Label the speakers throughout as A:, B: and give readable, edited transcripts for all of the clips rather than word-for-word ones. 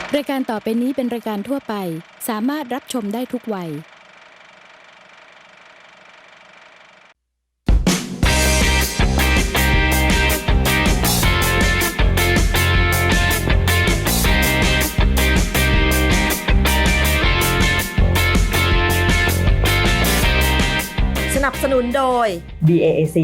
A: รายการต่อไปนี้เป็นรายการทั่วไปสามารถรับชมได้ทุกวัย
B: สนับสนุนโดย BAAC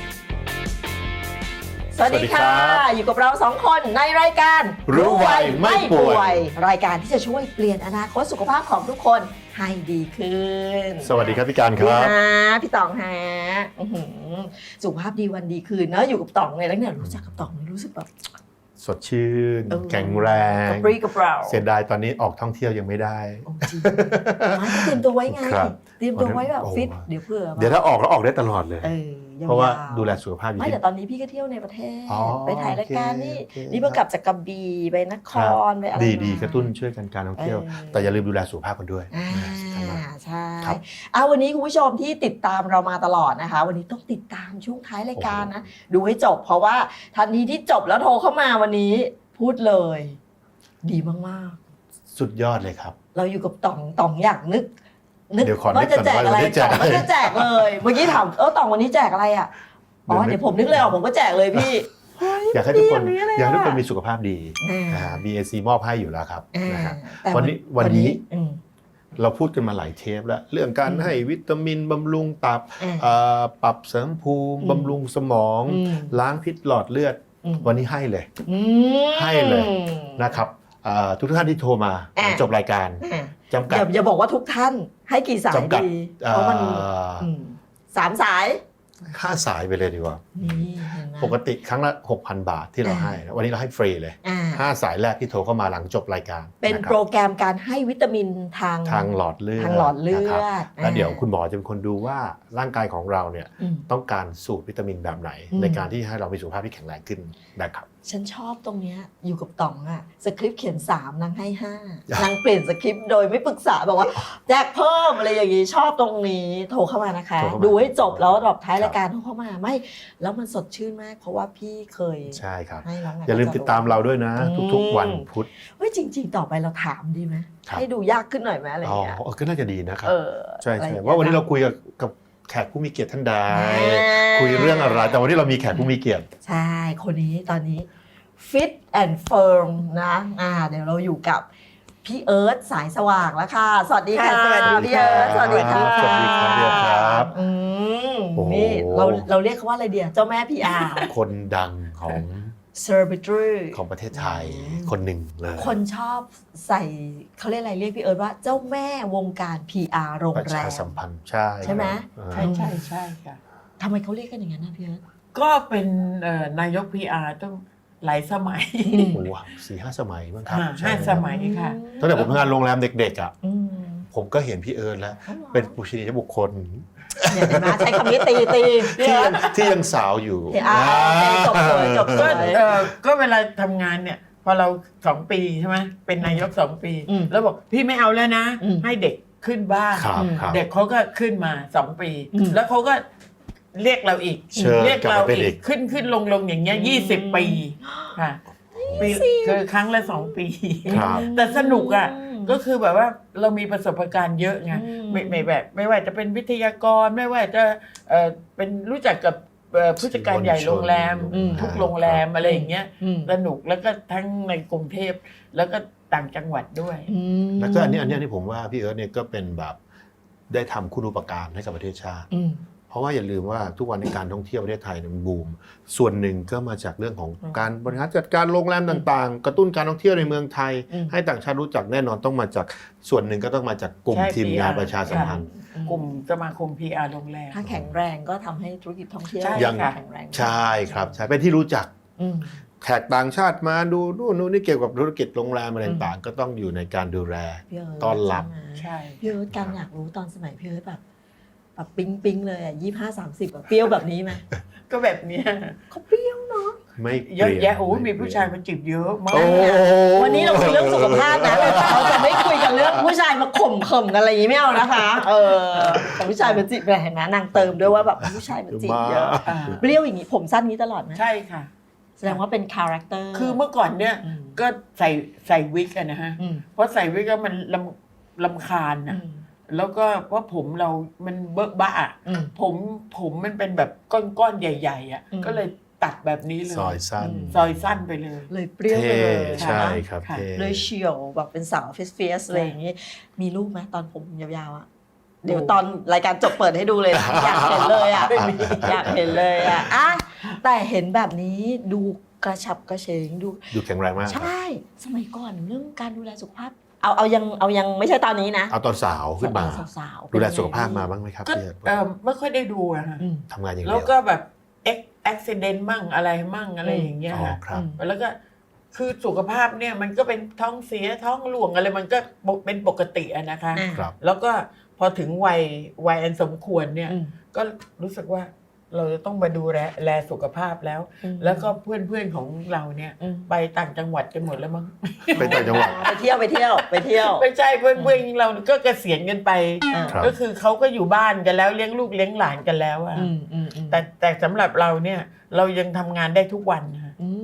B: สวัสดีค่ะ อยู่กับเรา2คนในรายการ
C: รู้ไวไม่ป่วย
B: รายการที่จะช่วยเปลี่ยนอนาคตสุขภาพของทุกคนให้ดีขึ้น
C: สวัสดีครับพี่การครับ
B: พี่ต๋องฮะสุขภาพดีวันดีคืนเนอะอยู่กับต๋องเลยแล้วเนี่ยรู้จักกับต๋องรู้สึกแบบ
C: สดชื่นแข็งแรง
B: กระปรี้กระเปร่า
C: เสียดายตอนนี้ออกท่องเที่ยวยังไม่ได้
B: จริงเตรียมตัวไว้ไง
C: ครับ
B: เตรียมตัวไว้แบบฟิตเดี๋ยวเผื่อ
C: เดี๋ยวถ้าออกแล้วออกได้ตลอดเลย เพราะว่าดูแลสุขภาพอยู่
B: ไม่แต่ตอนนี้พี่ก็เที่ยวในประเทศ
C: อ๋อ
B: ไปถ่ายรายการนี่
C: โอเค
B: นี่เพิ่งกลับจากกระบี่ไปนครไปอะไร
C: ดี
B: มา
C: กระตุ้นช่วยกันการท่องเที่ยว แต่อย่าลืมดูแลสุขภาพกันด้วยสำคัญมาก
B: ใช่
C: ครับ
B: วันนี้คุณผู้ชมที่ติดตามเรามาตลอดนะคะ วันนี้ต้องติดตามช่วงท้ายรายการนะดูให้จบเพราะว่าทันทีที่จบแล้วโทรเข้ามาวันนี้พูดเลย ดีมาก
C: สุดยอดเลยครับ
B: ๆเราอยู่กับต่องอยากนึก
C: เดี๋ยวขอนึก
B: ว่าจะแจกอะไร
C: ก่อนว่าจะแจกอะไร
B: ต่องก็จะแจกเลยเมื่อกี้ถามต่องวันนี้แจกอะไรอ่ะอ๋อเดี๋ยวผมนึกเลยออกผมก็แจกเลยพี่
C: อยากให้ทุกคน
B: ดีะ
C: อยากให้ทุกคนมีสุขภาพดี
B: อ่า
C: BAC มอบให้อยู่แล้วครับนะฮะ
B: แต่
C: วันนี้
B: อืม
C: เราพูดกันมาหลายเทปแล้วเรื่องการให้วิตามินบำรุงตับปรับเสริมภูมิบำรุงสมอง ล้างพิษหลอดเลือดวันนี้ให้เลยให้เลยนะครับทุกท่านที่โทรมาจบรายการจำกัด
B: อย่าบอกว่าทุกท่านให้กี่สาย
C: จำกัด
B: ดีเพราะมัน3 สาย
C: 5 สายไปเลยดีกว่า
B: นี่เห็นไหม
C: ปกติครั้งละ 6,000 บาทที่เราให้วันนี้เราให้ฟรีเลย 5 สายแรกที่โทรเข้ามาหลังจบรายการ
B: เป็นโปรแกรมการให้วิตามินทาง
C: หลอดเลือด
B: ทางหลอดเลือด
C: นะครับแล้วเดี๋ยวคุณหมอจะเป็นคนดูว่าร่างกายของเราเนี่ย ต้องการสูตรวิตามินแบบไหน ในการที่ให้เรามีสุขภาพที่แข็งแรงขึ้นนะครับ
B: ฉันชอบตรงเนี้ยอยู่กับต๋องอะสคริปต์เขียน3นางให้5นางเปลี่ยนสคริปต์โดยไม่ปรึกษาบอกว่าแจกเพิ่มอะไรอย่างงี้ชอบตรงนี้โทรเข้ามานะคะ
C: โทรเข้ามา
B: ดูให้จบแล้วแบบท้ายรายการโทรเข้ามาไม่แล้วมันสดชื่นมากเพราะว่าพี่เคย
C: ใช่ครับ
B: ให้น้อง
C: อย่าลืมติดตามเราด้วยนะ ทุกๆวันพุธ
B: เฮ้ยจริงๆต่อไปเราถามดีไหม
C: ครับ
B: ให้ดูยากขึ้นหน่อยไหมอะไร
C: อ๋อ
B: เงี้ย
C: ก็น่าจะดีนะครับ ใช่
B: อะไรอย่ง
C: ใช่
B: งี้ย
C: ว่าวันนี้เราคุยกับแขกผู้มีเกียรติท่านใดคุยเรื่องอะไรแต่วันนี้เรามีแขกผู้มีเกียรติ
B: ใช่คนนี้ตอนนี้ Fit and Firm นะเดี๋ยวเราอยู่กับพี่เอิร์ธสายสว่างแล้วค่ะ สวัสดีค่ะ
D: สวัสดี
B: พี่เอิร์ธสวัสดีค่ะ
C: สวัสดีครับพี่เอิร์ธครับ โอ้โห
B: นี่เราเรียกเขาว่าอะไรเดียวเจ้าแม่ PR
C: คนดังของ
B: Celebrity
C: ของประเทศไทยคนหนึ่งเลย
B: คนชอบใส่เขาเรียกอะไรเรียกพี่เอิร์ธว่าเจ้าแม่วงการ PR โรง
C: ประ
B: แร
C: ชาม สัมพันธ์ใช่
B: ใช่ไหม
C: ครับ
D: ใช่ค่ะ
B: ทำไมเขาเรียกกันอย่างนั้นนะพี่เอิร์ธ
D: ก็เป็นนายก PR ต้องหลายสมัย
C: โอ้โห4-5 สมัยมั้งครับใช่
D: 5 สมัยค่ะ
C: ตั้งแต่ผมทำงานโรงแรมเด็กๆอ่ะ
B: อืม
C: ผมก็เห็นพี่เอิร์ธแล้ว เป็นปุชนียบุคคล
B: เนี่ยเห็นไหมใช้คำนี้ตีพี่เอิร์ธ
C: ที่ยังสาวอยู่
B: จบสวยจบส
D: ก็
B: วย
D: ก็เวลาทำงานเนี่ย พอเรา2 ปีใช่ไหมเป็นนายก2 ปี แล้วบอกพี่ไม่เอาแล้วนะ ให้เด็กขึ้นบ้าน
C: ครับครับ
D: เด็กเขาก็ขึ้นมา2 ปี แล้วเขาก็เรียกเราอีก
C: เชิญ
D: เรียกเรา
C: กลับมาเป็นอี
D: อี
C: ก
D: กขึ้นลงอย่างเงี้ย20 ปีค่ะปีคือครั้งละ2 ปี
C: ครับ
D: แต่สนุกอ่ะก็คือแบบว่าเรามีประสบการณ์เยอะไงไม่ว่าจะเป็นวิทยากรไม่ว่าจะเป็นรู้จักกับผู้จัดการใหญ่โรงแรมทุกโรงแรมอะไรอย่างเงี้ยสนุกแล้วก็ทั้งในกรุงเทพแล้วก็ต่างจังหวัดด้วย
C: แล้วก็อันนี้ผมว่าพี่เอิร์ธเนี่ยก็เป็นแบบได้ทำคุณูปการให้กับประเทศชาติ เพราะว่าอย่าลืมว่าทุกวันในการท่องเที่ยวประเทศไทยเนี่ยมันบูมส่วนหนึ่งก็มาจากเรื่องของการบริหารจัดการโรงแรมต่างๆ กระตุ้นการท่องเที่ยวในเมืองไทย ให้ต่างชาติรู้จักแน่นอนต้องมาจากส่วนหนึ่งก็ต้องมาจากกลุ่ม
D: ใช่
C: ทีมงาน
D: PR
C: ประชาสัมพันธ์
D: กลุ่มสมาคม PR โรงแรม
B: ถ้าแข็งแรงก็ทำให้ธุรกิจท่องเที่ยว
D: ใช่
C: ยัง
B: แข็งแรง
C: ใช่ครับใช่เป็นที่รู้จัก แขกต่างชาติมาดูนู่นนี่เกี่ยวกับธุรกิจโรงแรมอะไรต่างๆก็ต้องอยู่ในการดูแล
B: พี่เอิร์ธ
C: ต้อนรับ
D: ใช่
B: พี่เอิร์ธการอยากรู้ตอนสมัยพี่เอิร์ธแบบปิ๊งเลยอ่ะ25-30แบบเปรี้ยวแบบนี้ไหม
D: ก็แบบเนี้ย
B: เขาเปรี้ยวเนาะ
C: ไม่
D: เยอะ
C: ปลี่น
D: แยะโอ้ยมีผู้ชายมาจีบเยอะมาก
C: โอ้
B: วันนี้เราคุยเรื่องสุขภาพนะเราจะไม่คุยกันเรื่องผู้ชายมาข่มกันอะไรอย่างนี้ไม่เอานะคะแต่ผู้ชายมาจีบเห็นไหมนางเติมด้วยว่าแบบผู้ชายมาจีบเยอะเปรี้ยวอย่างนี้ผมสั้นนี้ตลอดไหม
D: ใช่ค่ะ
B: แสดงว่าเป็นคาแรคเตอร์
D: คือเมื่อก่อนเนี่ยก็ใส่วิกอะนะฮะ เพราะใส่วิกแล้วมันลำคาญนะแล้วก็เพราะผมเรามันเบิกบ้าผมมันเป็นแบบก้อนๆใหญ่ๆอ่ะก็เลยตัดแบบนี้เลย
C: ซอยสั้น
D: ซอยสั้นไปเลย
B: เลยเปรี้ยวไป
C: เท่
B: เลย
C: ใช่
B: นะครับ
C: เท่
B: เลยเฉียวแบบเป็นสาวเฟียสอะไรอย่างงี้มีรูปไหมตอนผมยาวๆอ่ะเดี๋ยวตอนรายการจบเปิดให้ดูเลยนะอยากเห็นเลยอ่ะอยากเห็นเลยอ่ะแต่เห็นแบบนี้ดูกระฉับกระเฉงดู
C: ดูแข็งแรงมาก
B: ใช่สมัยก่อนเรื่องการดูแลสุขภาพเอายังไม่ใช่ตอนนี้นะ
C: เอาตอนสาวขึ้นมา
B: สาวๆ
C: ดูแลสุขภาพมาบ้างไหมครับ
D: ก็
C: พี่เอิร์ธ
D: ไม่ค่อยได้ดูอะฮะ
C: ทำงานอย่าง
D: แล้
C: เดี
D: ว
C: ยว
D: ก็แบบอุบิเหตุมั่งอะไรมั่งอะไรอย่างเงี้ย
C: อ๋อ
D: ค่ะ
C: ครับ
D: แล้วก็คือสุขภาพเนี่ยมันก็เป็นท้องเสียท้องหลวงอะไรมันก็เป็นปกติอะนะคะ
C: ครับ
D: แล้วก็พอถึงวัยอันสมควรเนี่ยก็รู้สึกว่าเราจะต้องมาดูแลสุขภาพแล้ว แล้วก็เพื่อนของเราเนี่ยไปต่างจังหวัดกันหมดแล้วมั้ง
C: ไปต่างจังหวัด
B: ไปเที่ยว
D: ไม่ใช่เพื่อนเราก็เกษียณกันไป
C: ครับ
D: ก็คือเขาก็อยู่บ้านกันแล้วเลี้ยงลูกเลี้ยงหลานกันแล้วอะแต่สำหรับเราเนี่ยเรายังทำงานได้ทุกวันนะ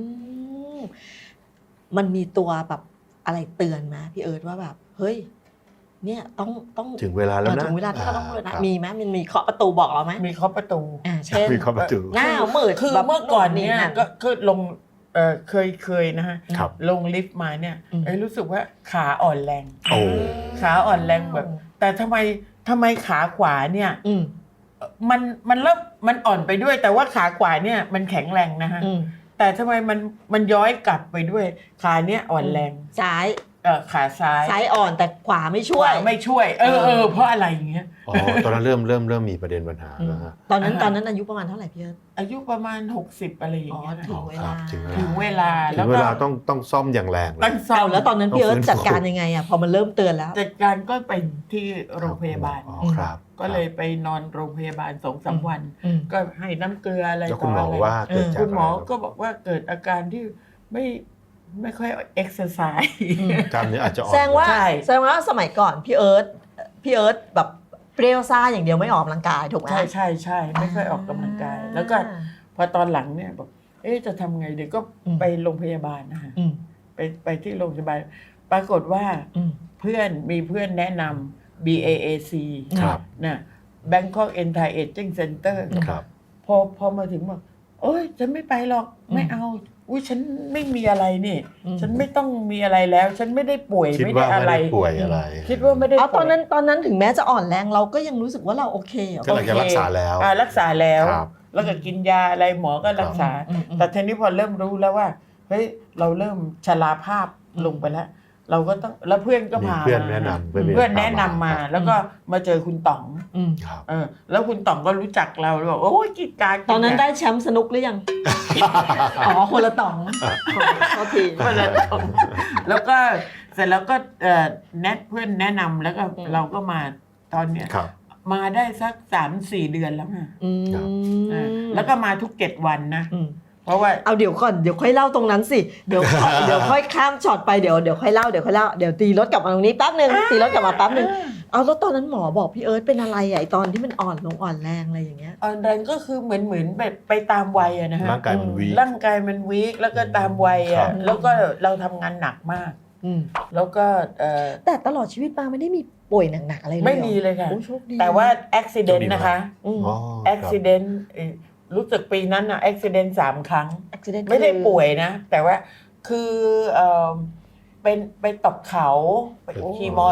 B: มันมีตัวแบบอะไรเตือนไหมพี่เอิร์ธว่าแบบเฮ้ยเนี่ยต้อง
C: ถึงเวลาแล้วนะ
B: ถึงเวลาที่เราต้องเลยนะ
C: ครับ
B: มีไหมมันมีเคาะประตูบอกเราไหม
D: มีเคาะประตู
B: เช่น
C: มีเคาะประตู
B: หน้ามืด
D: คือ
B: แบบ
D: เมื่อก่อนเนี่ย
B: นั่
D: ก็ลงเคยนะฮะ
C: ครับ
D: ลงลิฟต์มาเนี่ยรู้สึกว่าขาอ่อนแรง
C: โอ้
D: ขาอ่อนแรงแบบ แต่ทำไมขาขวาเนี่ย
B: อืม
D: มันเริ่มมันอ่อนไปด้วย แต่ว่าขาขวาเนี่ยมันแข็งแรงนะฮะ แต่ทำไมมันย้อยกลับไปด้วยขาเนี่ยอ่อนแรง
B: ซ้าย
D: ขาซ้าย
B: ซ้ายอ่อนแต่ขวาไม่ช่วย
D: ขวาไม่ช่วย เพราะอะไรอย่างเงี้ย
C: อ๋อตอนนั้นเริ่มมีประเด็นปัญหาแล้วฮะ
B: ตอนนั้นอายุประมาณเท่าไหร่พี่เอิร์ธ
D: อายุประมาณ60อะไรอย่างเงี้ย
B: ถึงเวลา
D: ถึงเวลา
C: ถึ
D: แล้ว
C: งเว
D: ก็
C: ลาต้องซ่อมอย่างแรงเลย
D: ตั้งซ่อม
B: แล้วตอนนั้นพี่เอิร์ธ
C: ต้องฟื้นฟู
B: จัดการยังไงอ่ะพอมันเริ่มเตือนแล้ว
D: จัดการก็ไปที่โรงพยาบาล
C: อ๋อครับ
D: ก็เลยไปนอนโรงพยาบาล2-3 วัน ก็ให้น้ำเกลืออะไร
C: แล้ว
D: ต่
C: คุณหมอ
D: อะไร
C: ว่าเกิดจาก
D: คุณหมอ
C: อะไร
D: ก็บอกว่าเกิดอาการที่ไม่ค่อยเอ็กซ์ไซส์
C: กล้ามเนื้ออาจจะอ่อน
B: แสดงว่า
D: ใช่
B: สมัยก่อนพี่เอิร์ธแบบเปรี้ยวซ่าอย่างเดียวไม่ออกกำลังกายถูกไหม
D: ใช่ไม่ค่อยออกกำลังกาย แล้วก็พอตอนหลังเนี่ยบอกจะทำไงเดี๋ยวก็ไปโรงพยาบาลนะฮะไปที่โรงพยาบาลปรากฏว่ามีเพื่อนแนะนำ BAAC
C: ครับ
D: นะ Bangkok Anti Aging Center
C: ครับ
D: พอมาถึงบอกฉันไม่ไปหรอกไม่เอาฉันไม่มีอะไรนี่ฉันไม่ต้องมีอะไรแล้ว ฉันไม่ได้ป่วย
C: คิด
D: ไม่
C: ว่า
D: ได้อะไร
C: ไม่ได้ป่วยอะไร
D: คิดว่าไม่ได้
B: เอา
D: ป่วย
B: ตอนนั้นถึงแม้จะอ่อนแรงเราก็ยังรู้สึกว่าเราโอเคเหรอ
C: ก็หลังจากรักษาแล้ว
D: รักษาแล้ว
C: ครับ
D: แล้วก็กินยาอะไรหมอก็รักษา แต่ทีนี้พอเริ่มรู้แล้วว่าเฮ้ยเราเริ่มชราภาพลงไปแล้ว เราก็ต้องแล้วเพื่อนก็
C: มี
D: พา
C: เพื่อน
D: มา
C: แนะนำ
D: เพื่อนแนะนำมา แล้วก็มาเจอคุณต๋อง
C: ครับ
D: แล้วคุณต๋องก็รู้จักเราบอกโอ้ยกิจการ
B: ตอนนั้นได้แชมป์สนุกหรือยัง อ๋อคนละต่องโทษที
D: คนละต๋องแล้วก็เสร็จแล้วก็เพื่อนแนะนำแล้วก็เราก็มาตอนเนี้ย
C: ครับ
D: มาได้สัก 3-4 เดือนแล้วค่ะ
C: ครับ
D: แล้วก็มาทุก7 วันนะเพราะว่า
B: เอาเดี๋ยวก่อนเดี๋ยวค่อยเล่าตรงนั้นสิเดี๋ยวค่อยข้ามช็อตไปเดี๋ยวค่อยเล่าเดี๋ยวตีรถกลับมาตรงนี้แป๊บนึงตีรถกลับมาแป๊บนึงเอาแล้วตอนนั้นหมอบอกพี่เอิร์ธเป็นอะไรอ่ะไอตอนที่มันอ่อนลงอ่อนแรงอะไรอย่างเงี้ย
D: อ่อนแรงก็คือเหมือนแบบไปตามวัยอะนะฮะ
C: ร่างกายมันวีค
D: ร่างกายมันวีคแล้วก็ตามวัย
C: ครั
D: อะ
C: บ
D: แล้วก็เราทำงานหนักมาก แล้วก็
B: แต่ตลอดชีวิตมาไม่ได้มีป่วยหนักๆอะไรเลย
D: ไม่มีเลยค่ะ
B: โอ้โชคดี
D: แต่ว่าอุบิเหตุนะคะ
B: อืม
C: อ๋อ
D: อุบิเหตุรู้สึกปีนั้นนะอุบิเหตุ3 ครั้ง
B: accident
D: ไม่ได้ป่วยนะ แต่ว่าคือไปตกเขาไปขี่มอ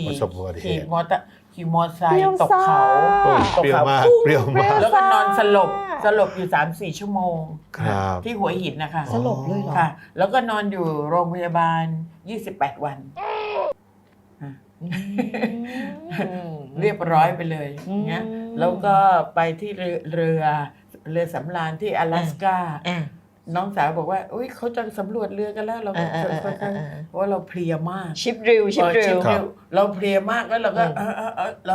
D: ไซค์ตกเขา
C: โอ้
D: ตก
C: เปรี้ยว
D: เขา
C: มากเปรี้ยวมาก
D: แล้วก็นอนสลบอยู่ 3-4 ชั่วโมง
C: ครับ
D: ที่หัวหินนะคะ
B: สลบเลยเหรอ
D: ค่ะ แล้วก็นอนอยู่โรงพยาบาล28 วัน เรียบร้อยไปเลยเงี้ยแล้วก็ไปที่เรือสำราญที่阿拉斯ก้าน้องสาวบอกว่าอุ้ยเขาจะสำรวจเรือกันแล้วเราก็ค่อนข้างเพราะว่าเราเพลียมาก
B: ชิปริว
D: เราเพลียมากแล้วเราก็แล้ว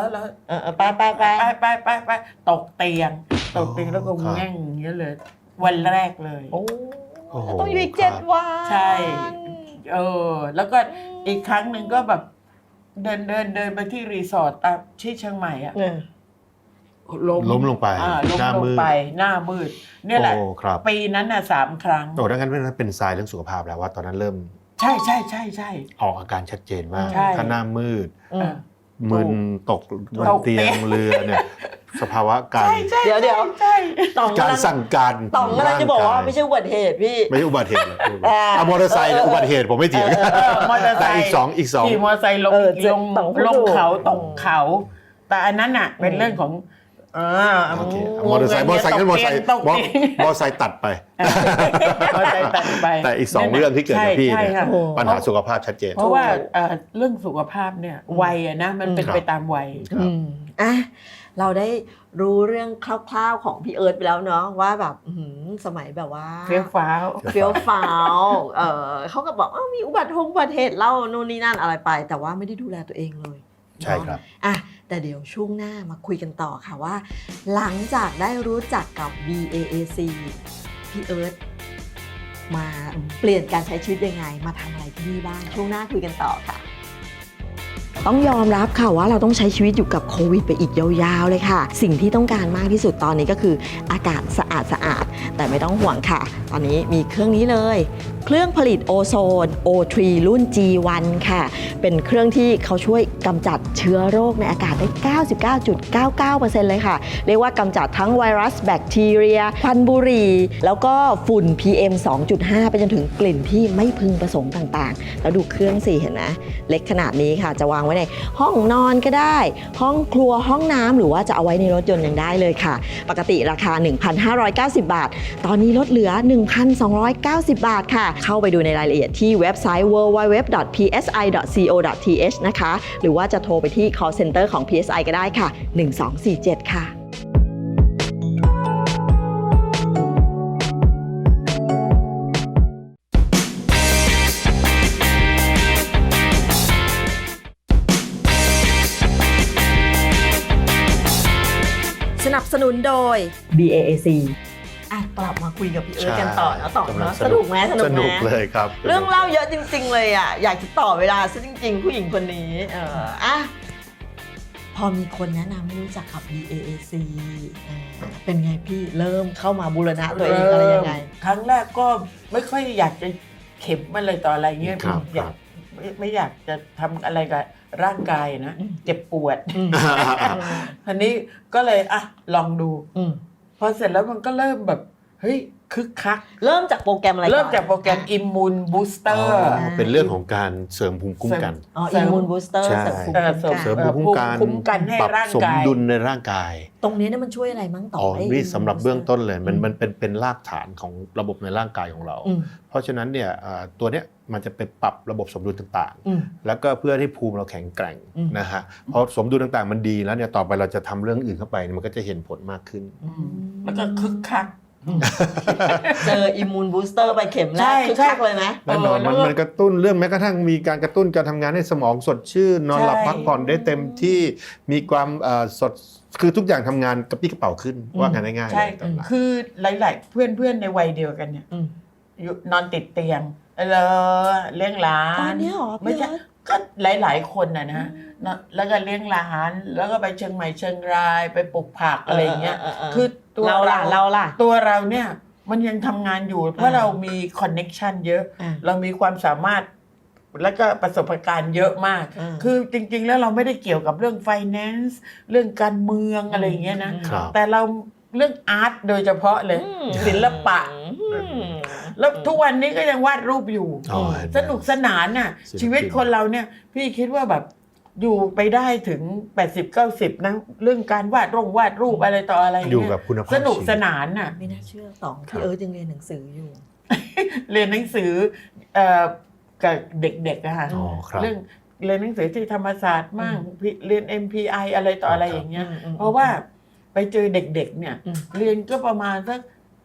D: ไปตกเตียงแล้วก็แง่งอย่างเงี้ยเลย วันแรกเลย
B: โอ้
C: โอ้โห
B: ต้องอยู่อีก
C: ครับ
B: 7 วัน
D: ใช่แล้วก็อีกครั้งหนึ่งก็แบบเดินไปที่รีสอร์ทที่เชียงใหม่อะ
C: ล้มลงไป
D: ล้ม
C: หน้า
D: ล
C: มื
D: ง
C: ด
D: ไปหน้ามืดเนี่ยแหละ
C: โอ้ครับ
D: ปีนั้นน่ะ3 ครั้ง
C: โอ้ดังนั้นเป็นทรายเรื่องสุขภาพแล้วว่าตอนนั้นเริ่ม
D: ใช่ใช่ใช่ใช่
C: ออกอาการชัดเจนมาก
D: ใช่
C: ถ้าหน้ามืด
B: อืม
C: มึนตกบนเตียงเรือเนี่ยสภาวะการ
B: เดี๋ยว
D: ใช่
B: ต่อง
C: การ
B: กำลัง
C: สั่งการ
B: ต่องกำลังจะบอกว่าไม่ใช่อุบัติเหตุพี่
C: ไม่ใช่อุบัติเหตุเอามอเตอร์ไซค์เนี่ยอุบัติเหตุผมไม่เถียง
D: มอเตอร์ไซ
C: แต่
D: ค์
C: อีกสอง
D: ขี่มอเตอร์ไซค์ลง
B: ต่องพูด
D: ลง
B: ถูก
D: เขาตกเขา แต่อันนั้นน่ะเป็นเรื่องของ
C: โอเคมอเตอร์ไซค์นั้นมอเตอร์ไซค์
D: ตกเตียง
C: มอเตอร์ไซค์ตัดไป
D: มอเตอร์ไซค์ตัดไป
C: แต่อีกสองเรื่องที่เกิดกับพี่เนี่ย
D: ใช่ค่ะ
C: ปัญหาสุขภาพชัดเจน
D: เพราะว่าเรื่องสุขภาพเนี่ยวัยอะนะมันเป็นไปตามวัย
C: ครับ
B: อ่ะเราได้รู้เรื่องคร่าวๆของพี่เอิร์ธไปแล้วเนาะว่าแบบสมัยแบบว่า
D: เฟี้ยวฟ้าว
B: เฟี้ยวฟ้าวเขาก็บอกมีอุบัติเหตุเล่านู่นนี่นั่นอะไรไป แต่ว่าไม่ได้ดูแลตัวเองเลย
C: ใช่ครับ
B: อ่ะแต่เดี๋ยวช่วงหน้ามาคุยกันต่อค่ะว่า หลังจากได้รู้จักกับ BAAC พี่เอิร์ธมาเปลี่ยนการใช้ชีวิตยังไงมาทำอะไรที่นี่บ้างช่วงหน้าคุยกันต่อค่ะ ต้องยอมรับค่ะว่าเราต้องใช้ชีวิตอยู่กับโควิดไปอีกยาวๆเลยค่ะสิ่งที่ต้องการมากที่สุดตอนนี้ก็คืออากาศสะอาดแต่ไม่ต้องห่วงค่ะตอนนี้มีเครื่องนี้เลยเครื่องผลิตโอโซน O3 รุ่น G1 ค่ะเป็นเครื่องที่เขาช่วยกำจัดเชื้อโรคในอากาศได้ 99.99% เลยค่ะเรียกว่ากำจัดทั้งไวรัสแบคทีเรียควันบุหรี่แล้วก็ฝุ่น PM 2.5 ไปจนถึงกลิ่นที่ไม่พึงประสงค์ต่างๆแล้วดูเครื่องสิเห็นไหมเล็กขนาดนี้ค่ะจะวางไว้ในห้องนอนก็ได้ห้องครัวห้องน้ำหรือว่าจะเอาไว้ในรถยนต์ยังได้เลยค่ะปกติราคา 1,590 บาทตอนนี้ลดเหลือ 1,290 บาทค่ะเข้าไปดูในรายละเอียดที่เว็บไซต์ www.psi.co.th นะคะหรือว่าจะโทรไปที่ call center ของ PSI ก็ได้ค่ะ 1247 ค่ะสนับสนุนโดย BAAC กลับมาคุยกับพี่เอิร์ธกันต่อนะต่อเนาะสนุกไหม
C: สนุกเลยครับ
B: เรื่องเล่าเยอะจริงๆเลยอ่ะอยากจะต่อเวลาซะจริงๆผู้หญิงคนนี้พอมีคนแนะนำให้รู้จักกับ BAAC เป็นไงพี่เริ่มเข้ามาบูรณะตัวเองอะไรยังไง
D: ครั้งแรกก็ไม่ค่อยอยากจะเข็มอะไรต่ออะไรเงี้ย
C: ครับ
D: อยากไม่อยากจะทำอะไรกับร่างกายนะเจ็บปวดทีนี้ก็เลยลองดูพอเสร็จแล้วมันก็เริ่มแบบเฮ้ยคึกคัก
B: เริ่มจากโปรแกรมอะไรก่อน
D: เริ่มจากโปรแกรม Immune Booster
C: เป็นเรื่องของการเสริมภูมิคุ้มกัน
B: อิมมูนบูสเตอร์
C: ใช่
B: เสริมภูมิคุ้มกัน
C: เสริมภูมิคุ้มกัน
D: ให้
C: ปรับ
D: ร่าง
C: สม
D: กาย
C: ดุลในร่างกาย
B: ตรงนี้เนี่ยมันช่วยอะไรมั้งต่อ
C: นี่สำหรับเบื้องต้นเลยมันเป็นรากฐานของระบบในร่างกายของเรา เพราะฉะนั้นเนี่ยตัวเนี้ยมันจะไปปรับระบบสมดุลต่างๆแล้วก็เพื่อให้ภูมิเราแข็งแกร่งนะฮะพอสมดุลต่างๆมันดีแล้วเนี่ยต่อไปเราจะทำเรื่องอื่นเข้าไปมันก็จะเห็นผลมากขึ้น
D: แล้วก็คึกคัก
B: เจออิมมูนบูสเตอร์ไปเข็มแรกคึกคักเลยไหม
C: แน่นอนมันกระตุ้นเรื่องแม้กระทั่งมีการกระตุ้นการทำงานให้สมองสดชื่นนอนหลับพักผ่อนได้เต็มที่มีความสดคือทุกอย่างทำงานกระปี้กระเป๋าขึ้นว่ากันง่ายๆ
D: ใช่
C: เลย
D: คือหลายๆเพื่อนในวัยเดียวกันเนี่ยนอนติดเตียงเลี้ยงหลาน
B: ตอนนี้หรอ
D: ไม่ใช่ก็หลายๆคนนะแล้วก็เลี้ยงหลานแล้วก็ไปเชียงใหม่เชียงรายไปปลูกผักอะไรอย่างเงี้ยคือตัวเราตัวเราเนี่ยมันยังทำงานอยู่เพราะเรามีคอนเน็กชันเยอะเรามีความสามารถแล้วก็ประสบการณ์เยอะมากคือจริงๆแล้วเราไม่ได้เกี่ยวกับเรื่อง finance เรื่องการเมืองอะไรอย่างเงี้ยนะแต่เราเรื่องอาร์ตโดยเฉพาะเลยศิลปะแล้วทุกวันนี้ก็ยังวาดรูปอยู่สนุกสนานน่ะชีวิตคนเราเนี่ยพี่คิดว่าแบบอยู่ไปได้ถึง 80-90 นะเรื่องการวาดรูปอะไรต่ออะไร
C: อยู่กับคุณภาพ
D: สนุกสนานน่ะ
B: ไม่น่าเชื่อต่องพี่เอิร์ธยังเรียนหนังสืออยู่
D: เรียนหนังสือกับเด็กๆอะค่ะเรื่องเรียนหนังสือที่ธรรมศาสตร์มั่งเรียน MPI อะไรต่ออะไรอย่างเงี้ยเพราะว่าไปเจอเด็กๆเนี่ยเรียนก็ประมาณสัก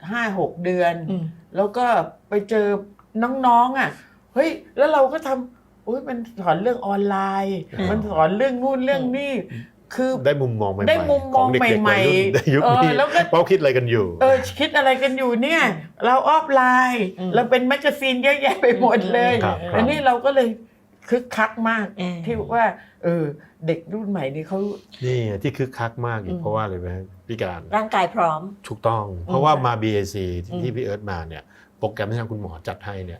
D: 5-6 เดือนแล้วก็ไปเจอน้องๆอ่ะเฮ้ยแล้วเราก็ทำมันสอนเรื่องออนไลน์มันสอนเรื่องนู่นเรื่องนี่คือได้มุมมองใหม่ๆของเด็กๆวัยรุ่นในยุคนี้ว่าคิดอะไรกันอยู่คิดอะไรกันอยู่เนี่ยเราออฟไลน์เราเป็นแมกกาซีนเยอะแยะไปหมดเลยอันนี้เราก็เลยคึกคักมากที่ว่าเด็กรุ่นใหม่นี่เขานี่ที่คึกคักมากเพราะว่าอะไรไหมพี่การ
B: ร่างกายพร้อม
C: ถูกต้องเพราะว่ามา BAC ที่พี่เอิร์ธมาเนี่ยโปรแกรมที่ทางคุณหมอจัดให้เนี่ย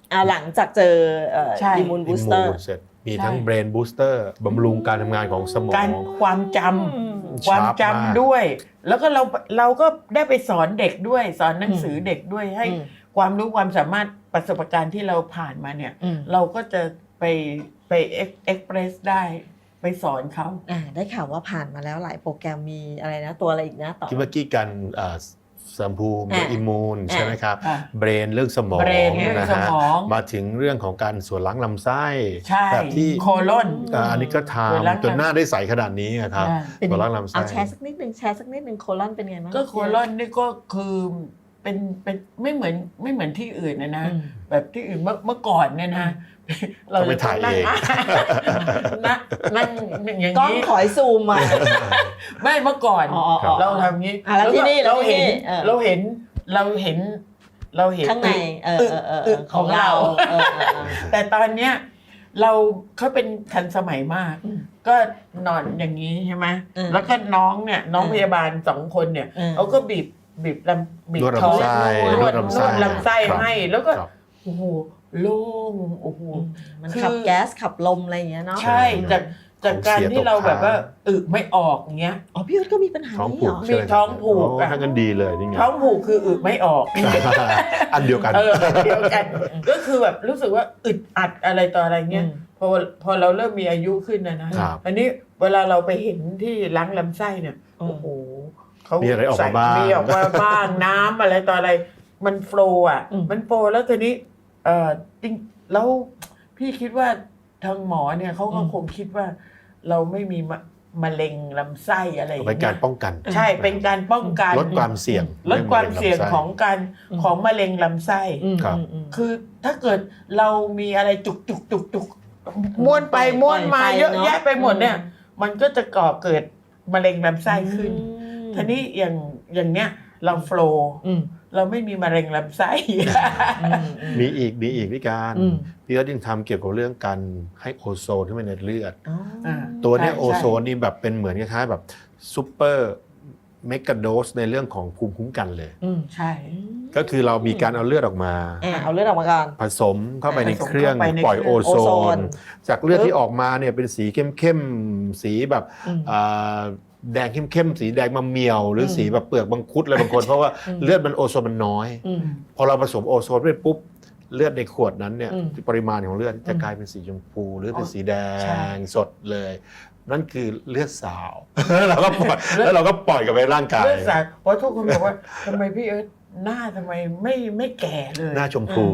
B: หลังจากเจอ
D: ใช่
B: อิมมูนบูสเตอร์
C: เสร็จมีทั้งเบรนบูสเตอร์บำรุงการทำงานของสมอ
D: การ
C: ง
D: ความจำความจำด้วย แล้วก็เราก็ได้ไปสอนเด็กด้วยสอนหนังสือเด็กด้วยให้ความรู้ความสามารถประสบการณ์ที่เราผ่านมาเนี่ยเราก็จะไปเอ็กเพรสได้ไปสอนเขา
B: ได้ข่าวว่าผ่านมาแล้วหลายโปรแกรมมีอะไรนะตัวอะไรอีกนะต่อ
C: ที่เมื่อกี้กันสัมภูมิอิมมูนใช่ไหมครับ
D: อ่ะ
C: เบรนเรื่องสมอง
D: เบรนเรื่อง
C: นะ
D: ส
C: ฮะ
D: มอง
C: มาถึงเรื่องของการส่วนล้างลำไส้
D: ใช่
C: แบบที่
D: โคลอน
C: อันนี้ก็
D: ส่วนล้าง
C: ทำจนหน้าได้ใสขนาดนี้ครับ
B: เป็น
C: ส่วนล้างลำไส้
B: เอาแชร์สักนิดนึงโคลอนเป็นไงบ้าง
D: ก็โคลอนนี่ก็คือเป็นไม่เหมือนที่อื่นนะ แบบที่อื่นเมื่อก่อนเนี่ยนะ
C: เราไปถ่ายเอง
D: นั่งอย่าง
B: กล้อง
D: นี้
B: ขอยซูมมา
D: ไม่เมื่อก่อน
B: อ๋อ
D: เราทำงี้
B: แล้วที่นี่
D: เราเห็น
B: เราเห็น
D: เราเห็น
B: ข้างในของเรา
D: แต่ตอนเนี้ยเราเขาเป็นทันสมัยมาก ก็นอนอย่างนี้ใช่ไหมแล้วก็น้องพยาบาล2 คนเนี่ยเขาก็บีบ
C: นวด
D: ท้อง
C: ลำไส้
D: นวดลำไส้
C: ครับ
D: ให้แล้วก็
C: ครับ
D: โอ้โหโล่งโอ้โห
B: มันขับแก๊สขับลมอะไรอย่างเงี้ยเนาะ
D: ใช่จากการที่เราแบบว่าไม่ออกอย่างเงี้ย
B: พี่เอิร์ธก็มีปัญหา
C: ท้อง
B: นี้
C: ผู
B: เหร
C: ก
B: อ
C: ใช่ไหม
D: มีท้องผูก
C: โถ้างั้นดีเลยนี่ไง
D: ท้องผูกคือไม่ออก
C: อันเดียวกัน
D: เดียวกัน ก็คือแบบรู้สึกว่าอึดอัดอะไรต่ออะไรเงี้ยพอเราเริ่มมีอายุขึ้นนะครับ อันนี้เวลาเราไปเห็นที่ล้างลำไส้เนี่ยโอ้โหเขา
C: มีอะไรออกมาบ้าง
D: มีออกมาบ้างน้ำอะไรต่ออะไรมันโฟล์อ่ะมันโฟล์แล้วทีนี้จริงแล้วพี่คิดว่าทางหมอเนี่ยเขาก็คงคิดว่าเราไม่มีมะเร็งลำไส้อะไรอย่าง
C: เป็น
D: เงี้
C: การ
D: ย
C: ป้องกัน
D: ใช่เป็นการป้องกัน
C: ลดความเสี่ยง
D: ลดความเสี่ยงของมะเร็งลำไส้
C: ครับ
D: คือถ้าเกิดเรามีอะไรจุกม้วนไปม้วนมาเยอะแยะไปหมดเนี่ย มันก็จะก่อเกิดมะเร็งลำไส้ขึ้นทีนี้อย่างเนี้ยเราโฟลว์เราไม่มีมะเร็งลำไส้
C: มีอีกวิการพี่ก็ยังทำเกี่ยวกับเรื่องการให้โอโซนขึ้นไปในเลือด ตัวเนี้ย
D: ใช่
C: โอโซนนี่แบบเป็นเหมือนคล้ายๆแบบซูเปอร์เมกะโดสในเรื่องของภูมิคุ้มกันเลย
D: ใช่
C: ก็คือเรามีการเอาเลือดออกมา
B: เอาเลือดออกมาก่อน
C: ผสมเข้าไปในเครื่อง
D: ผสมเข้าไปใน
C: ปล่อยโอโซ
B: โอโซ
C: น
B: น
C: จากเลือดที่ออกมาเนี่ยเป็นสีเข้มๆสีแบบแดงเข้มๆสีแดงมะเมียว หรือสีแบบเปลือกมังคุดอะไรบางคน เพราะว่าเลือดมันโอโซนมันน้อย พอเราผสมโอโซนไปปุ๊บเลือดในขวดนั้นเนี่ยปริมาณของเลือดจะกลายเป็นสีชมพูหรือเป็นสีแด
D: ใช่
C: งสดเลย นั่นคือเลือดสาว แล้วเราก็ปล่อยกับไปร่างกาย
D: เลือดสาวเพราะทุกคนบอกว่าทำไมพี่เอิร์ธหน้าทำไมไม่แก่เลย
C: หน้าชมพู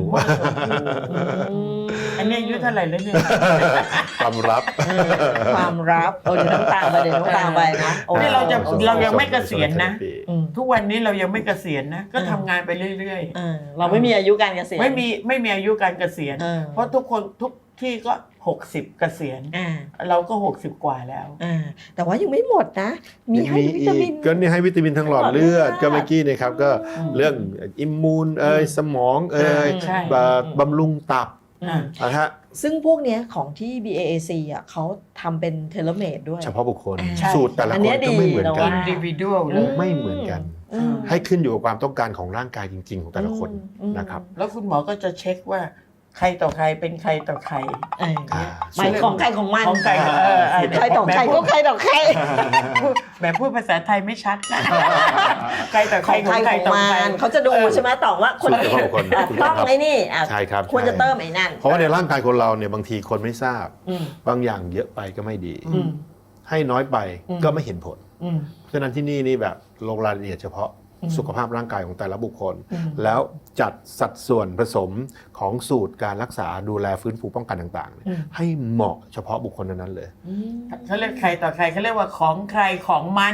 D: อันนี้อายุเท่าไหร่แล้วเนี่ย
C: ความลับ
B: ความรับเดี๋ยวต้องตามไปนะโอ้
D: นี่เรายังไม่เกษียณนะ
B: อืม
D: ทุกวันนี้เรายังไม่เกษียณนะ ก็ทำงานไปเรื่อย
B: เราไม่มีอายุการเกษียณ
D: ๆ ไม่มีอายุการเกษียณ เพราะทุกคนทุกที่ก็60เกษียณเราก็60กว่าแล้ว
B: แต่ว่ายังไม่หมดนะ มีให้วิตามิน
C: ก็นี่ให้วิตามินทั้งหลอดเลือดก็เมื่อกี้นะครับก็เรื่องอิมมูนสมอง
D: ใช่
C: บำรุงตับนะฮะ
B: ซึ่งพวกเนี้ยของที่ BAAC เขาทำเป็นเทเลเมดด้วย
C: เฉพาะบุคคล
D: ใช่
C: สูตรแต่ละ
B: อัน
C: ค
B: เนี้
C: น
B: ย
C: ก็ไม่เหมือน
B: ดี
C: กัน
B: นะ
D: individual เลย
C: ไม่เหมือนกัน ให้ขึ้นอยู่กับความต้องการของร่างกายจริง ๆ ของแต่ละคนนะครับ
D: แล้วคุณหมอก็จะเช็คว่าใครต่อใครเป็นใครต่อใคร
B: หมายของใครของมัน
D: ของใคร
B: ใครต่อใครก็ใครต่อใคร
D: แหมพูดภาษาไทยไม่ชัดนะใครต่อ
B: ข
D: ใคร
B: องใคร
D: ใคร
B: ของ
D: ต่อ
B: มั
D: ใคร
B: นเขาจะดูใช่ไหมต่อว่าคนนี้
C: สูตรของคน
B: ต้องไอ้นี่
C: ใช่ครับ
B: ควรจะเติมไอ้นั่น
C: เพราะว่าในร่างกายคนเราเนี่ยบางทีคนไม่ทราบ บางอย่างเยอะไปก็ไม่ดี ให้น้อยไปก็ไม่เห็นผล เพราะฉะนั้นที่นี่แบบลงรายละเอียดเฉพาะสุขภาพร่างกายของแต่ละบุคคล แล้วจัดสัดส่วนผสมของสูตรการรักษาดูแลฟื้นฟูป้องกันต่างๆให้เหมาะเฉพาะบุคคลนั้นๆเลย
D: เขาเรียกใครต่อใครเขาเรียกว่าของใครของมัน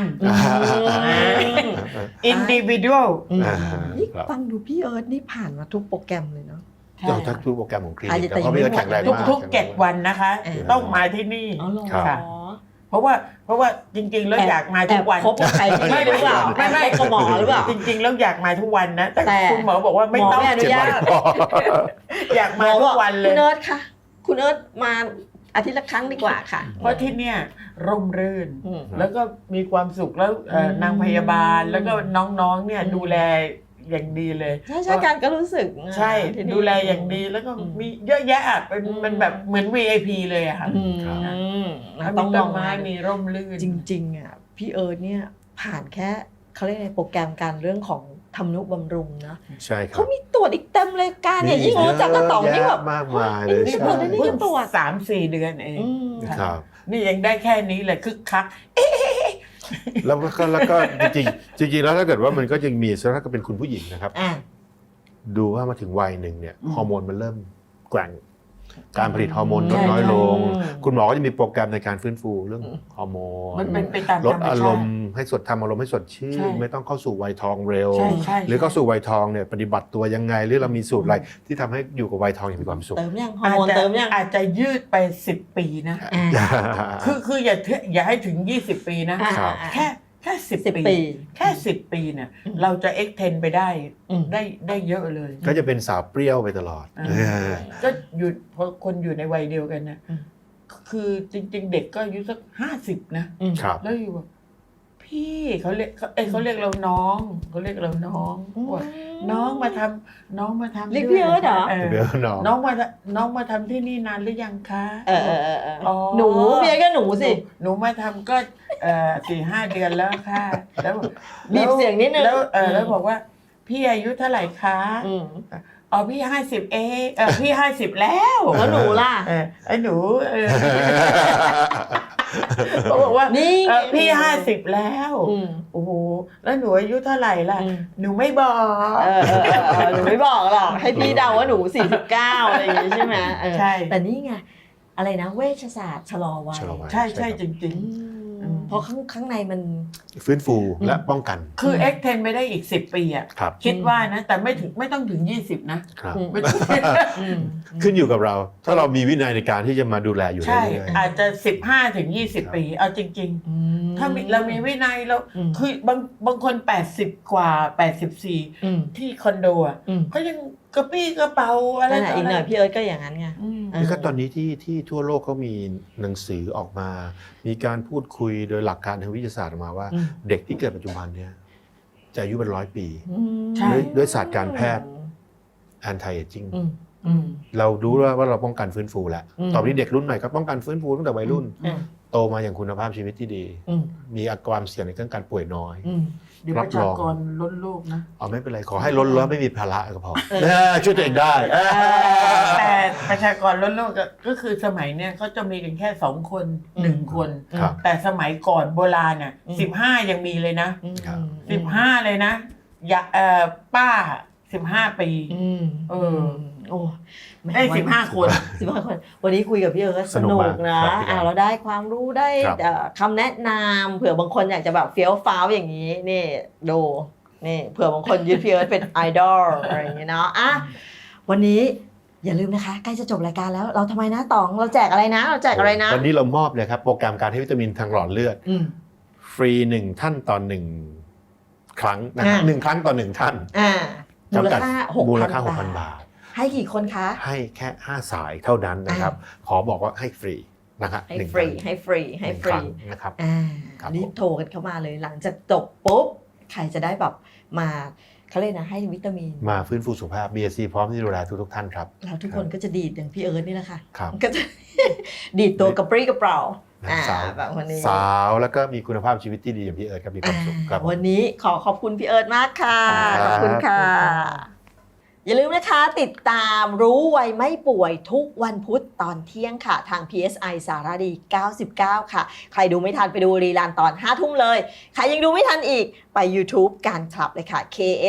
D: individual
B: นี่ฟังดูพี่เอิร์ธนี่ผ่านมาทุกโปรแกรมเลยเนาะ
C: เราทักทุกโปรแกรมของคลินิก
B: แต่
C: เพราะพี่ก็แข็งแรงมาก
D: ทุก7 วันนะคะ ต้องมาที่นี่
B: อ๋อเหรอ
D: ค่ะ เพราะว่าจริงๆแล้วอยากมาทุกวัน
B: แอบคบกับใครที่นี่หรือเปล่า
D: ไม่
B: กับหมอหรือเปล่า
D: จริงๆแล้วอยากมาทุกวันนะ แต่คุณหมอบอกว่าไม่ต้อง
B: หมอไม่อนุญาต
D: อยากมาทุกวันเลย
B: คุณเอิร์ธค่ะ คุณเอิร์ธมาอาทิตย์ละครั้งดีกว่าค่ะ
D: เพราะที่เนี่ยร่มรื่น
B: อืม
D: แล้วก็มีความสุขแล้วนางพยาบาลแล้วก็น้องๆเนี่ยดูแลอย่างดีเลย
B: ใช่การก็รู้สึก
D: ใช่
B: ที่นี่
D: ดูแลอย่างดีแล้วก็มีเยอะแยะอะเป็นมันแบบเหมือน VIP เลยอะค่ะ
B: แล้ว
D: ต้
B: ต้
D: อ
B: อง ง
D: ต้
B: ม
D: น
B: อง
D: ไม้
B: มา
D: มีร่มรื่น
B: จริงๆอ่ะพี่เอิร์ธเนี่ยผ่านแค่เขาเรียกในโปรแกรมการเรื่องของทำนุบำรุงนะ
C: ใช่ครั
B: เขา
C: บ
B: มีตรวจอีกเต็มเลยการเนี่ยยิ่งรู้จักกระต่องนี่แบบ
C: มากมายเลย
B: นี่
C: ใช่
B: ตรวจได้นี่
D: เพิ่
B: ก็
D: ง
B: ตรวจ
D: 3-4 เดือนเอง
B: อืม
C: ครับ
D: นี่ยังได้แค่นี้เลยคึกคัก
C: แล้วก็จริงๆแล้วถ้าเกิดว่ามันก็ยังมีถ้าก็เป็นคุณผู้หญิงนะครับ
B: อ่ะ
C: ดูว่ามาถึงวัยหนึ่งเนี่ย
D: อืม
C: ฮอร์โมนมันเริ่มแกว่งการผลิตฮอร์โมนลด
D: ใช่
C: น้อยลง
B: อืม
C: คุณหมอก็จะมีโปรแกรมในการฟื้นฟูเรื่องฮอร์โมน
D: มันเป็นไปตาม
C: ล
D: ธ
C: ด
D: รรม
C: อา
D: ชาร
C: ม
D: ติ
C: ณ์ให้ทำอารมณ์ให้สดชื่
D: ใช่
C: นไม่ต้องเข้าสู่วัยทองเร็ว
D: ใช่ใช่
C: หรือเข้าสู่วัยทองเนี่ยปฏิบัติตัวยังไง หรือเรามีสูตรอะไรที่ทำให้อยู่กับวัยทองอย่างมีความสุข
B: เติมยังฮอร์โมนเติมยัง
D: อาจจะยืดไป10 ปีนะ
B: อ่ะ
D: คืออย่าให้ถึง20 ปีนะ
C: ครับ
D: แค่10
B: 10
D: ปี
B: ปี
D: แค่10 ปีเนี่ย
B: อืม
D: เราจะ extend ไปได้
B: อืม
D: ได้เยอะเลย
C: ก็จะเป็นสาวเปรี้ยวไปตลอด
D: อ่า ก็อยู่พอคนอยู่ในวัยเดียวกันนะ
B: อืม
D: คือจริง ๆ เด็กก็อายุสัก50นะ
B: อืม
C: ครับ
D: แล้วอยู่แบบพี่เขาเรียกเขาเรียกเราน้องเขาเรียกเราน้องว่าน้องมาทำ
B: เรียกพี่เอิร์ธเหรอ
C: เดี๋ยวน้อง
D: น้องมาทำที่นี่นานหรือยังคะ
B: เออ
D: อ๋อ
B: หนูพี่เอิร์ธก็หนูสิ
D: หนูมาทำก็4-5 เดือนแล้วค่ะแล้ว
B: บีบเสียงนิดนึง
D: แล้วบอกว่า พี่อายุเท่าไหร่คะ
B: อืม
D: อ๋อพี่50เองพี่50แล้ว
B: แล้วหนูล่ะ
D: ไอ้หนูเขาบอกว่า
B: นี่
D: พี่50แล้ว
B: อืม
D: โอ้โหแล้วหนูอายุเท่าไหร่ล่ะ
B: อืม
D: หนูไม่บอก
B: หนูไม่บอกหรอกให้พี่เดาว่าหนู49อะไรอย่างงี้ใช่ไหมเออ
D: ใช่
B: แต่นี่ไงอะไรนะเวชศาสตร์ชะลอวัย
C: ชะลอวัย
D: ใช่ใช่
C: ใช่
D: จ
C: ครับ
D: ริง
B: เพราะข้างในมัน
C: ฟื้นฟูและป้องกัน
D: ๆ คือ extend ไปได้อีก10 ปีอ่ะ
C: ครับ
D: คิดว่านะ แต่ไม่ต้องถึง20นะครับ ไม่ต้อง
C: ขึ้นอยู่กับเรา ถ้าเรามีวินัยในการที่จะมาดูแลอยู่
D: ใช่
C: เรื่อย
D: อาจจะ15 ถึง 20 ปีเอาจริง ๆ ถ้าเรามีวินัยเรา
B: อืม
D: คือบางคน80 กว่า 84
B: อืม
D: ที่คอนโดอ่ะ
B: อืม
D: เขายังกระปี้กระเป๋าอะไร
B: นั่นแหละ
D: ต่
B: อีกหน่อยพี่เอิร์ธก็อย่างนั้นไง
D: อืม
C: ๆนี่ก็ตอนนี้ที่ทั่วโลกก็มีหนังสือออกมา มีการพูดคุยโดยหลักการทางวิทยาศาสตร์ออกมาว่า
B: อืม
C: เด็กที่เกิดปัจจุบันเนี่ยจะอายุเป็น100 ปี
D: ใช่
C: ด้วยศาสตร์การแพทย์ anti aging
B: อืมอืม
C: เรารู้ว่าเราป้องกันฟื้นฟูแล้ว
B: อืม
C: ตอนนี้เด็กรุ่นใหม่ก็ป้องกันฟื้นฟูตั้งแต่วัยรุ่น
B: อืม
C: โตมาอย่างคุณภาพชีวิตที่ดี
B: อืม
C: มีความเสี่ยงในเรื่องการป่วยน้อย
B: อืม
D: เดี๋ยวประชากรล้นโลกนะ
C: เอาไม่เป็นไรขอให้ล้นแล้วไม่มีภาระก็พอช่วยตัวเองได้
D: แต่ประชากรล้นโลกก็คือสมัยเนี้ยเขาจะมีกันแค่2 คน1 คน
C: ครับ
D: แต่สมัยก่อนโบราณเนี่ย
B: อืม
D: 15 ยังมีเลยนะ
C: ครับ
D: 15 เลยนะอย่าป้า15 ปี
B: อืม
D: เออ
B: โอ้แหม
D: ได้
B: วัน
D: 15 คน
B: 15 คน วันนี้คุยกับพี่เอิร์ธ
C: ส
B: ส
C: นุ
B: นุ
C: ก
B: ก
C: มาก
B: นะครับ
C: พี่
B: เราได้ความรู้ได้
C: ครับ
B: คำแนะนำเผื่อบางคนอยากจะแบบเฟี้ยวฟ้าวอย่างนี้นี่ดูนี่เผื่อบางคนยึดพี่เอิร์ธเป็นไอดอลอะไรอย่างเงี้ยเนาะอ่ะวันนี้อย่าลืมนะคะใกล้จะจบรายการแล้วเราทำไมนะต๋องเราแจกอะไรนะเราแจกอะไรนะ
C: วันนี้เรามอบเลยครับโปรแกรมการให้วิตามินทางหลอดเลือด
B: อืม
C: ฟรี1 ท่านต่อ1 ครั้งนะฮะ
B: อ่า
C: 1 ครั้งต่อ 1 ท่าน
B: อ่ามูล
C: จำกัด
B: ค่า
C: มูลค่า
B: 6,000
C: 6,000 บาท
B: ให้กี่คนคะ
C: ให้แค่ 5 สายเท่านั้นนะครับ ขอบอกว่าให้ฟรีนะครับ
B: ให้
C: หนึ่ง
B: ฟรี
C: คง
B: ให้ฟรีให้
C: หนึ่ง
B: ฟ
C: ค
B: รี
C: รั้งนะครับ ครับ
B: รีบโทรกันเข้ามาเลยหลังจากจบปุ๊บใครจะได้แบบมาเขาเรียกนะให้วิตามิน
C: มาฟื้นฟูสุขภาพ BSC พร้อมที่จะดูแลทุกท่านครับ
B: แล้วทุกคนก็จะดีดอย่างพี่เอิร์ธนี่แหละค่ะ
C: ครับ
B: ก็จะ ดีดตัวกระปรี้กระเปร่า
C: สาว
B: แบบวันนี้
C: สาวแล้วก็มีคุณภาพชีวิตที่ดีอย่างพี่เอิร์ธครับมีความสุขครับผม
B: วันนี้ขอบคุณพี่เอิร์ธมากค่ะ
C: ข
B: ข
C: อ
B: อ
C: บบ คุ
B: คุณ ณ
C: ครั
B: ค่ะ
C: บ
B: อย่าลืมนะคะติดตามรู้ไวไม่ป่วยทุกวันพุธตอนเที่ยงค่ะ ทาง PSI สารดี 99 ค่ะ ใครดูไม่ทันไปดูรีลันตอน 5 ทุ่มเลย ใครยังดูไม่ทันอีกไป YouTube การคลับเลยค่ะ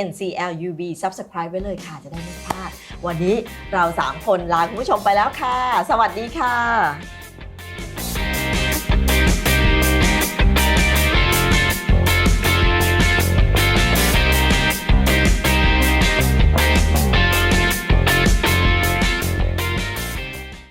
B: KNCLUB Subscribe ไว้เลยค่ะจะได้ไม่พลาด วันนี้เรา 3 คนลาคุณผู้ชมไปแล้วค่ะ สวัสดีค่ะ